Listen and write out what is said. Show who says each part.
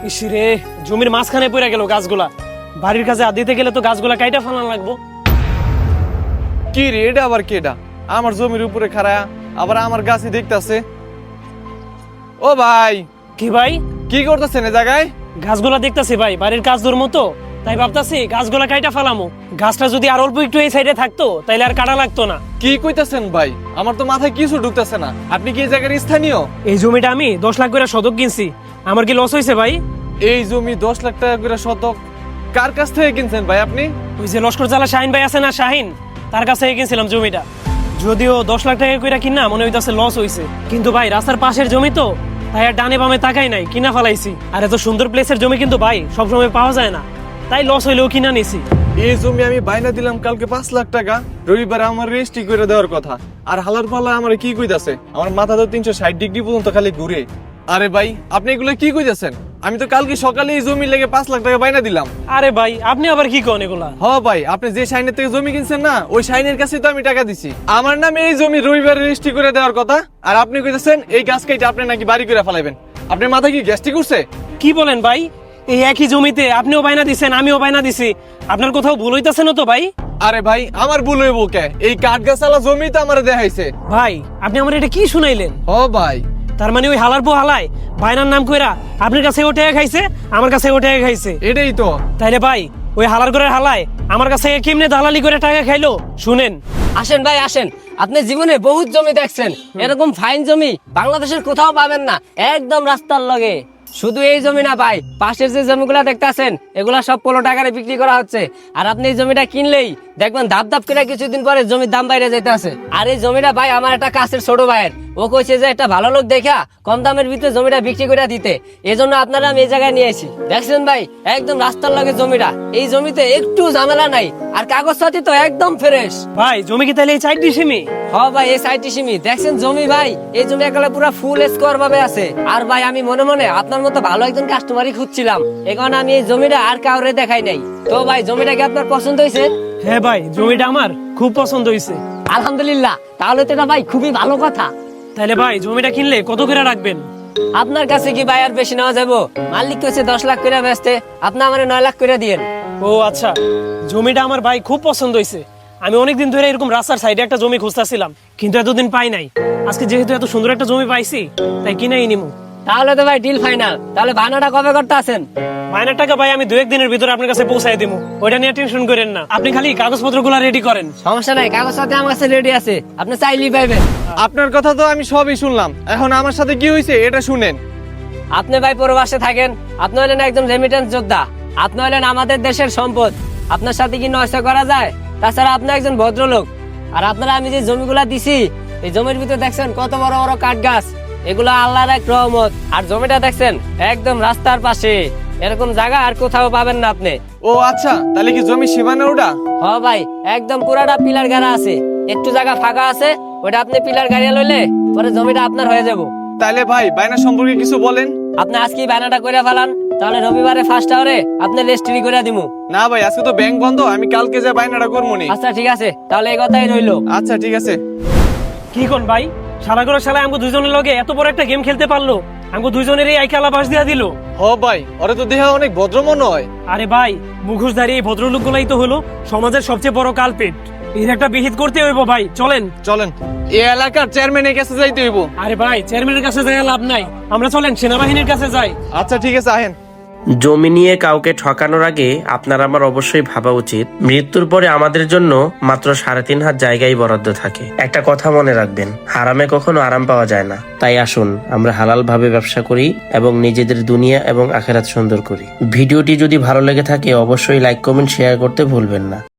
Speaker 1: ইসিরে জমির মাঝখানে পড়ে গেল গাছগুলা। বাড়ির কাছে দিতে গেলে তো গাছগুলা কাইটা ফালান লাগবো।
Speaker 2: কি রে এটা আবার কেডা? আমার জমির উপরে খাড়া আবার আমার গাছই দেখতাছে। ও ভাই,
Speaker 1: কি ভাই?
Speaker 2: কি করতেছেন এই জায়গায়?
Speaker 1: গাছগুলা দেখতাছি ভাই, বাড়ির কাজ দূর মতো, তাই ভাবতাছি গাছগুলা কাইটা ফালামো। গাছটা যদি আর অল্প একটু এই সাইডে থাকতো তাইলে আর কাটা লাগতো না।
Speaker 2: কি কইতাছেন ভাই? আমার তো মাথায় কিছু ঢুকতেছে না। আপনি কি এই জায়গার স্থানীয়?
Speaker 1: এই জমিটা আমি 10 লাখ করে শতক কিনছি। আমার কি লস হয়েছে ভাই?
Speaker 2: এই জমি 10 লাখ টাকা করে শতক কার কাছ থেকে কিনছেন ভাই আপনি?
Speaker 1: ওই যে লস্কর জালা শাহিন ভাই আছে না, শাহিন, তার কাছে কিনছিলাম জমিটা। যদিও 10 লাখ টাকা করে কিনা মনে হইতাছে লস হইছে, কিন্তু ভাই রাস্তার পাশের জমি তো, তাই আর ডানে বামে তাকাই নাই, কিনা ফেলাইছি। আর এত সুন্দর প্লেসের জমি কিন্তু ভাই সবসময় পাওয়া যায় না, তাই লস হইলেও কিনা নিছি।
Speaker 2: এই জমি আমি বাইনা দিলাম কালকে 5 লাখ টাকা। রবিবারে আমার রেজিস্ট্রি করে দেওয়ার কথা, আর হালার পালা আমার কি কইতাছে? আমার মাথা তো 360 ডিগ্রি পর্যন্ত খালি ঘুরে। আরে ভাই, আপনি এগুলো কি কইতাছেন? আমি তো কালকে সকালে এই জমি লেগে 5 লাখ টাকা বাইনা দিলাম।
Speaker 1: আরে ভাই আপনি আবার কি কোন এগুলা?
Speaker 2: হ ভাই, আপনি যে শাইনের থেকে জমি কিনছেন না, ওই শাইনের কাছে তো আমি টাকা দিছি। আমার নামে এই জমি রবিবারে রেজিস্ট্রি করে দেওয়ার কথা, আর আপনি কইতাছেন এই গাছ কাইটা আপনি নাকি বাড়ি করে ফেলাইবেন। আপনার মাথায় কি গ্যাস্ট্রিক উঠছে?
Speaker 1: কি বলেন ভাই? এই একই জমিতে আপনিও বাইনা দিছেন, আমিও বাইনা দিছি। আপনার কোথাও ভুল হইতাছে না তো ভাই?
Speaker 2: আরে ভাই, আমার ভুল হইব কে? এই কাঠ গাছালা জমি তো আমার দেখাইছে।
Speaker 1: ভাই আপনি আমার এটা কি শুনাইলেন?
Speaker 2: হ ভাই,
Speaker 1: তার মানে ওই হালার পো হালায় বাইনার নাম কইরা আপনার কাছে ওটা খাইছে, আমার কাছে ওটা খাইছে।
Speaker 2: এটাই তো।
Speaker 1: তাইলে ভাই ওই হালার করে হালায় আমার কাছে কেমনে দালালি করে টাকা খাইলো শুনেন।
Speaker 3: আসেন ভাই আসেন, আপনি জীবনে বহুত জমি দেখছেন, এরকম ফাইন জমি বাংলাদেশের কোথাও পাবেন না, একদম রাস্তার লগে। শুধু এই জমি না ভাই, পাশের যে জমিগুলা দেখতেছেন এগুলা সব 15 টাকায় বিক্রি করা হচ্ছে। আর আপনি এই জমিটা কিনলেই দেখবেন ধাপ ধাপ করে কিছুদিন পরে জমির দাম বাইরে যেতে আছে। আর এই জমিটা ভাই আমার একটা কাছের ছোট ভাইয়ের, ও কইছে যে একটা ভালো লোক দেখা কম দামের ভিতরে জমিটা বিক্রি করে দিতে, এজন্য আপনারা আমি এই জায়গায় নিয়ে আসি। দেখছেন ভাই একদম রাস্তার লগে জমিটা, এই জমিতে একটু ঝামেলা নাই, আর কাগজপাতি তো একদম ফ্রেশ।
Speaker 1: ভাই জমি কি তাহলে এই 4 ডিসিমি?
Speaker 3: হ ভাই, এই সাইটি সিমি দেখছেন জমি ভাই, এই জমি একেবারে পুরো ফুল স্কোয়ার ভাবে আছে। আর ভাই আমি মনে মনে আপনার মতো ভালো একজন কাস্টমারই খুঁজছিলাম, এই কারণে আমি এই জমিটা আর কাউরে দেখাই নাই। তো ভাই জমিটা কি আপনার পছন্দ হয়েছে?
Speaker 1: হ্যাঁ ভাই, জমিটা আমার খুব পছন্দ হয়েছে।
Speaker 3: আলহামদুলিল্লাহ, তাহলে তো এটা ভাই খুবই ভালো কথা।
Speaker 1: তাহলে ভাই জমিটা কিনলে কত করে রাখবেন?
Speaker 3: আপনার কাছে কি ভাই আর বেশি নেওয়া যাবো? মালিক কইছে 10 লাখ করে বেচতে, আপনি আমারে 9 লাখ করে দিয়েন।
Speaker 1: ও আচ্ছা, জমিটা আমার ভাই খুব পছন্দ হয়েছে। আমি অনেকদিন ধরে এরকম রাস্তার সাইডে একটা জমি খুঁজতেছিলাম, কিন্তু এতদিন পাই নাই। আজকে যেহেতু এত সুন্দর একটা জমি পাইছি, তাই কিনাই নিমু।
Speaker 3: তাহলে তো ভাই ডিল ফাইনাল। তাহলে বানাটা কবে করতে আছেন?
Speaker 1: মাইনের টাকা ভাই আমি 2-1 দিনের ভিতরে আপনার কাছে পৌঁছাই দিমু, ওইটা নিয়ে টেনশন করেন না। আপনি খালি কাগজপত্রগুলো রেডি করেন।
Speaker 3: সমস্যা নাই, কাগজ সাথে আমার কাছে রেডি আছে, আপনি চাইলেই পাইবেন।
Speaker 2: আপনার কথা তো আমি সবই শুনলাম, এখন আমার সাথে কি হয়েছে এটা শুনেন।
Speaker 3: আপনি ভাই প্রবাসে থাকেন, আপনি হলেন একজন রেমিটেন্স যোদ্ধা, আপনি হলেন আমাদের দেশের সম্পদ। আপনার সাথে কি নষ্ট করা যায়? তাছাড়া আপনি একজন ভদ্রলোক। আর আপনারা আমি যে জমিগুলা দিছি, এই জমির ভিতরে দেখছেন কত বড় বড় কাঠ গাছ, এগুলো আল্লাহর এক রহমত। আর জমিটা দেখছেন একদম রাস্তার পাশে, এরকম জায়গা আর কোথাও পাবেন না আপনি।
Speaker 2: ও আচ্ছা, তাহলে কি জমি সীমানা ওটা?
Speaker 3: হ ভাই, একদম পুরাটা পিলার গাড়া আছে, একটু জায়গা ফাঁকা আছে, ওটা আপনি পিলার গাড়িয়া লইলে পরে জমিটা আপনার হয়ে যাব।
Speaker 2: তাহলে ভাই বাইনা সম্পর্কে কিছু বলেন।
Speaker 3: আপনি আজকেই বায়নাটা করে ফেলান, তাহলে রবিবারে 1st আওয়ারে আপনি রেজিস্ট্রি করে দিমু।
Speaker 2: না ভাই, আজকে তো ব্যাংক বন্ধ, আমি কালকে যা বাইনাটা করবো নি।
Speaker 3: আচ্ছা ঠিক আছে, তাহলে এই কথাই রইলো।
Speaker 2: আচ্ছা ঠিক আছে।
Speaker 1: কি কোন ভাই, শালা করে শালা আমগো দুইজনের লগে এত বড় একটা গেম খেলতে পারলো, আমগো দুইজনেরই আইকে আলাবাস দিয়া দিল।
Speaker 2: হ ভাই, ওরে তো দেহা অনেক ভদ্র মনে হয়।
Speaker 1: আরে ভাই, মুখোশধারী এই ভদ্রলোকগুলাই তো হলো সমাজের সবচেয়ে বড় কালপেট। এর একটা বিহিত করতে হইব ভাই, চলেন।
Speaker 2: চলেন, এই এলাকার চেয়ারম্যানের কাছে যাইতে হইব।
Speaker 1: আরে ভাই, চেয়ারম্যানের কাছে যাই লাভ নাই, আমরা চলেন সেনাবাহিনীর কাছে যাই।
Speaker 2: আচ্ছা ঠিক আছে, আহেন।
Speaker 4: জমি নিয়ে কাউকে ঠকানোর আগে আপনার আমার অবশ্যই ভাবা উচিত, মৃত্যুর পরে আমাদের জন্য মাত্র 3.5 হাত জায়গায় বরাদ্দ থাকে। একটা কথা মনে রাখবেন, হারামে কখনো আরাম পাওয়া যায় না। তাই আসুন আমরা হালাল ভাবে ব্যবসা করি এবং নিজেদের দুনিয়া এবং আখিরাত সুন্দর করি। ভিডিওটি যদি ভালো লেগে থাকে অবশ্যই লাইক, কমেন্ট, শেয়ার করতে ভুলবেন না।